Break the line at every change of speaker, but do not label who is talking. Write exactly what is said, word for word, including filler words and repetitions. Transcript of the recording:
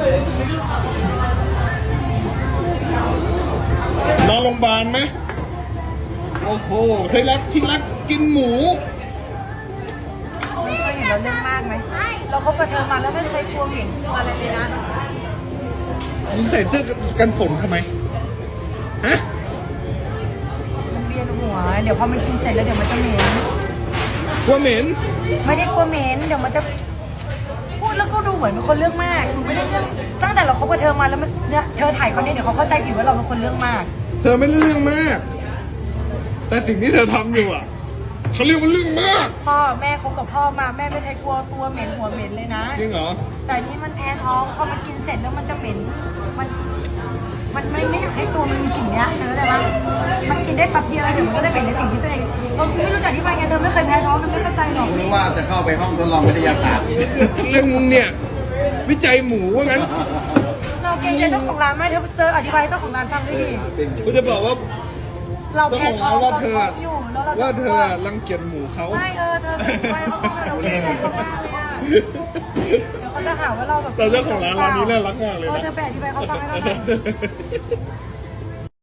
นอนโรงพยาบาลไหมโอ้โหเคยรักที่รักกินหมู
ไม่เคยเห็นเราเรื่องมากไหมเราคบกับเธอมาแล้วไม่เคยกลัวเหม่งกลัวอะไรเลยนะ
มึงใส่เสื้อกันฝนทำไมฮะ
มันเวียนหัวเดี๋ยวพอมันกินเสร็จแล้วเดี๋ยวมันจะเหม็น
กลัวเหม็น
ไม่ได้กลัวเหม็นเดี๋ยวมันจะพูดแล้วก็ดูเหมือนเป็นคนเรื่องมากหนูไม่ได้เรื่องตั้งแต่เราคบกับเธอมาแล้วมันเนี่ยเธอถ่ายคนนี้เดี๋ยวเขาเข้าใจผิดว่าเราเป็นคนเรื่องมาก
เธอไม่ได้เรื่องมาก แต่สิ่งที่เธอทำอยู่อ่ะเขาเรียกว่าเรื่องมาก
พ่อแม่คบกับพ่อมาแม่ไม่เคยกลัวตัวเหม็นหัวเหม็นเลยนะ
จริงเหรอ
แต่นี่มันแพ้ท้องพอมันกินเสร็จแล้วมันจะเหม็นมันมันไม่ไม่อยากให้ตัวมันมีกลิ่นเนี้ยเธอเข้าใจปะมันกินได้แป๊บเดียวแล้วเดี๋ยวมันก็ได้เป็นในสิ่งที่ตัวเองเราไม่รู้จักที่มาไงเธอไม่เคยแพ้ท้องเธอไม่เข้าใจหรอก
รู้ว่าจะเข้าไปห้องทดลองวิทยาศาสตร์
เรื่องมึงเนี่ย วิจัยหมูว่างั้น
เราเกรงใจเจ้าของร้านไหมเธอเจออธิบายให้เจ้าของร้านฟังด้วยดิ
กูจะบอกว่า
เรา
เจ้า
แพ้
ของ
ท้อ
ร้าง นว่า
เรา
เธอ
ท้องอยู่แล้วเรา
ว่าเธอ
จะ
รังเกียจหมูเขา
ไม่เออเธออธิบายเขาฟังเราเกรงใจเขามากเลยอะเดี๋ยวเขาจะหาว่าเราแบบ
แต่เจ้าของร้านร้านนี้น่ารักมากเลย
เออ
นะ
เธอไปอธิบายเขาฟังให้เราหน่อย